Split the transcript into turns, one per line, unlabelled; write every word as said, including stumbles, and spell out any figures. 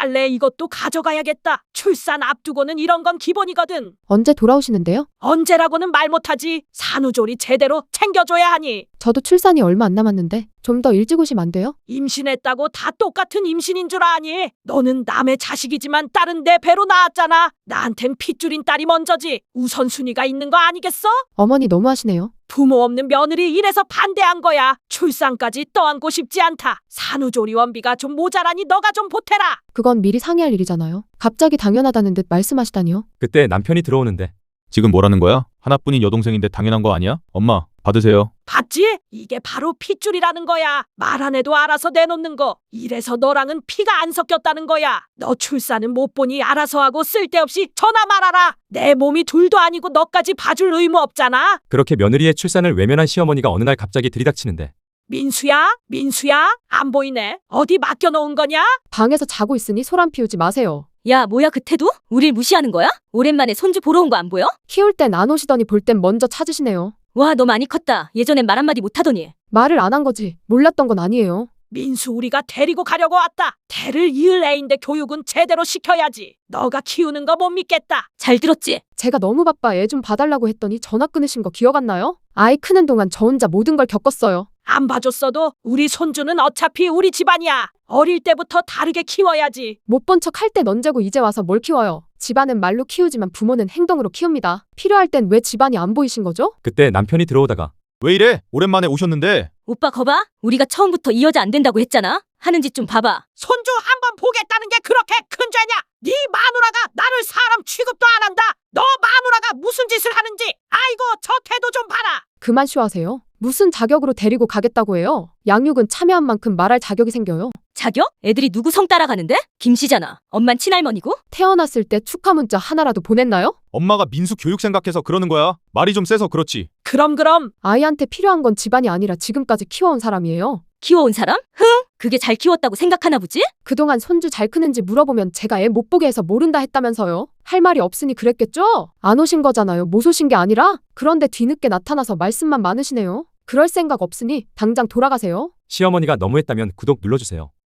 빨래 이것도 가져가야겠다. 출산 앞두고는 이런 건 기본이거든.
언제 돌아오시는데요?
언제라고는 말 못하지. 산후조리 제대로 챙겨줘야 하니.
저도 출산이 얼마 안 남았는데 좀 더 일찍 오시면 안 돼요?
임신했다고 다 똑같은 임신인 줄 아니? 너는 남의 자식이지만 딸은 내 배로 낳았잖아. 나한텐 핏줄인 딸이 먼저지. 우선순위가 있는 거 아니겠어?
어머니 너무하시네요.
부모 없는 며느리 이래서 반대한 거야. 출산까지 떠안고 싶지 않다. 산후조리 원비가 좀 모자라니 너가 좀 보태라.
그건 미리 상의할 일이잖아요. 갑자기 당연하다는 듯 말씀하시다니요.
그때 남편이 들어오는데
지금 뭐라는 거야? 하나뿐인 여동생인데 당연한 거 아니야? 엄마, 받으세요.
봤지? 이게 바로 핏줄이라는 거야. 말 안 해도 알아서 내놓는 거. 이래서 너랑은 피가 안 섞였다는 거야. 너 출산은 못 보니 알아서 하고 쓸데없이 전화 말아라. 내 몸이 둘도 아니고 너까지 봐줄 의무 없잖아.
그렇게 며느리의 출산을 외면한 시어머니가 어느 날 갑자기 들이닥치는데
민수야? 민수야? 안 보이네. 어디 맡겨놓은 거냐?
방에서 자고 있으니 소란 피우지 마세요.
야, 뭐야 그 태도? 우릴 무시하는 거야? 오랜만에 손주 보러 온 거 안 보여?
키울 땐 안 오시더니 볼 땐 먼저 찾으시네요.
와, 너 많이 컸다. 예전엔 말 한마디 못하더니.
말을 안 한 거지. 몰랐던 건 아니에요.
민수 우리가 데리고 가려고 왔다. 대를 이을 애인데 교육은 제대로 시켜야지. 너가 키우는 거 못 믿겠다.
잘 들었지?
제가 너무 바빠 애 좀 봐달라고 했더니 전화 끊으신 거 기억 안 나요? 아이 크는 동안 저 혼자 모든 걸 겪었어요.
안 봐줬어도 우리 손주는 어차피 우리 집안이야. 어릴 때부터 다르게 키워야지.
못 본 척 할 땐 언제고 이제 와서 뭘 키워요. 집안은 말로 키우지만 부모는 행동으로 키웁니다. 필요할 땐 왜 집안이 안 보이신 거죠?
그때 남편이 들어오다가
왜 이래? 오랜만에 오셨는데.
오빠 거봐. 우리가 처음부터 이 여자 안 된다고 했잖아. 하는 짓 좀 봐봐.
손주 한번 보겠다는 게 그렇게 큰 죄냐? 네 마누라가 나를 사람 취급도 안 한다. 너 마누라가 무슨 짓을 하는지. 아이고 저 태도 좀 봐라.
그만 쇼하세요. 무슨 자격으로 데리고 가겠다고 해요? 양육은 참여한 만큼 말할 자격이 생겨요.
자격? 애들이 누구 성 따라가는데? 김씨잖아. 엄만 친할머니고?
태어났을 때 축하 문자 하나라도 보냈나요?
엄마가 민수 교육 생각해서 그러는 거야. 말이 좀 세서 그렇지.
그럼 그럼
아이한테 필요한 건 집안이 아니라 지금까지 키워온 사람이에요.
키워온 사람? 흥? 그게 잘 키웠다고 생각하나 보지?
그동안 손주 잘 크는지 물어보면 제가 애 못 보게 해서 모른다 했다면서요. 할 말이 없으니 그랬겠죠? 안 오신 거잖아요. 못 오신 게 아니라. 그런데 뒤늦게 나타나서 말씀만 많으시네요. 그럴 생각 없으니 당장 돌아가세요.
시어머니가 너무했다면 구독 눌러주세요.